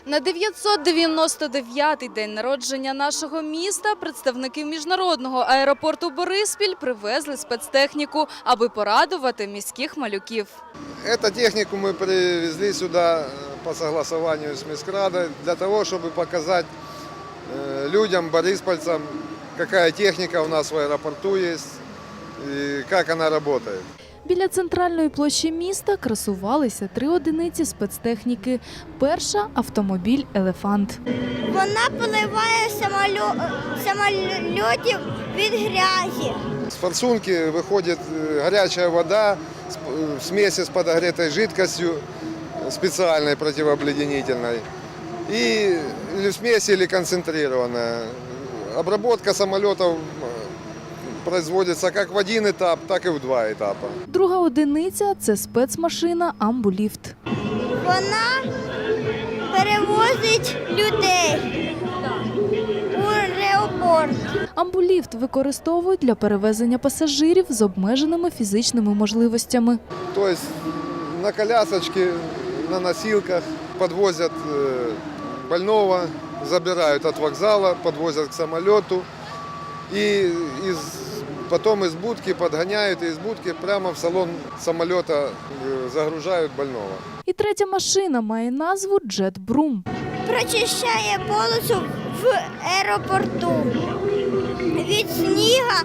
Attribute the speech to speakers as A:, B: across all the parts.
A: На 999-й день народження нашого міста представники міжнародного аеропорту Бориспіль привезли спецтехніку, аби порадувати міських малюків.
B: Эту технику мы привезли сюда по согласованию с Міськрадой для того, чтобы показать людям, бориспольцам, какая техника у нас в аэропорту есть и как она работает.
A: Біля центральної площі міста красувалися 3 одиниці спецтехніки. Перша – автомобіль «Елефант».
C: Вона поливає самольотів від грязі.
B: С форсунки выходит горячая вода в смеси с подогретой жидкостью, специальной противообледенительной, или в смеси, или концентрированная. Обработка самолетов производиться як в один етап, так і в 2 етапи.
A: Друга одиниця – це спецмашина «Амбуліфт».
C: Вона перевозить людей у аеропорт.
A: «Амбуліфт» використовують для перевезення пасажирів з обмеженими фізичними можливостями.
B: Тобто на колясочці, на носилках підвозять больного, забирають від вокзалу, підвозять к самоліту. И потом из будки подгоняют, и из будки прямо в салон самолета загружают больного.
A: І третя машина має назву «Джет-Брум».
C: Прочищає полосу в аеропорту від снігу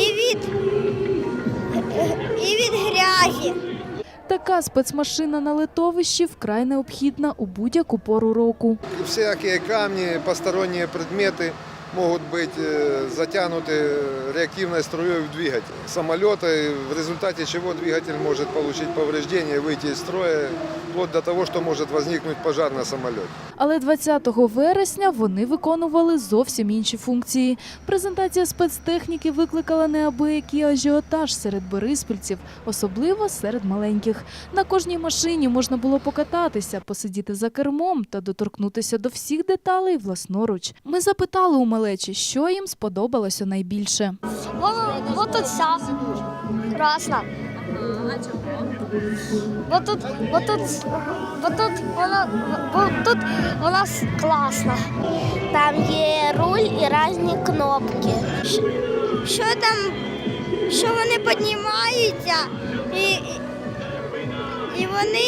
C: і від грязі.
A: Така спецмашина на литовищі вкрай необхідна у будь-яку пору року.
B: Всякие камни, посторонние предметы могут быть затянуты реактивной струей в двигатель самолета, в результате чего двигатель может получить повреждения, выйти из строя, вплоть до того, что может возникнуть пожар на самолете.
A: Але 20 вересня вони виконували зовсім інші функції. Презентація спецтехніки викликала неабиякий ажіотаж серед бориспільців, особливо серед маленьких. На кожній машині можна було покататися, посидіти за кермом та доторкнутися до всіх деталей власноруч. Ми запитали у малечі, що їм сподобалося найбільше.
C: Вот тут вся красна. Вот тут вона класна. Там є руль і різні кнопки. Що вони піднімаються і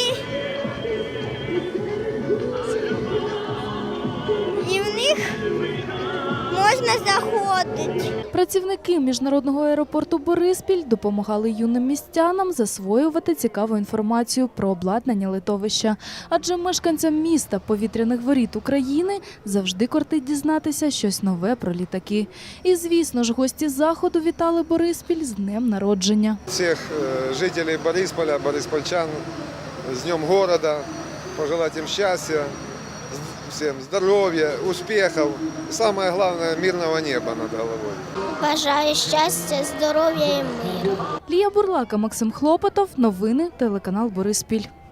C: в них можна заходити.
A: Працівники міжнародного аеропорту Бориспіль допомагали юним містянам засвоювати цікаву інформацію про обладнання литовища. Адже мешканцям міста повітряних воріт України завжди кортить дізнатися щось нове про літаки. І, звісно ж, гості заходу вітали Бориспіль з днем народження.
B: Всіх жителів Борисполя, бориспольчан з Днем города, пожелати їм щастя, всем здоровья, успехов, самое главное – мирного неба над головой.
C: Бажаю щастя, здоров'я і миру.
A: Лія Бурлака, Максим Хлопотов. Новини, телеканал Бориспіль.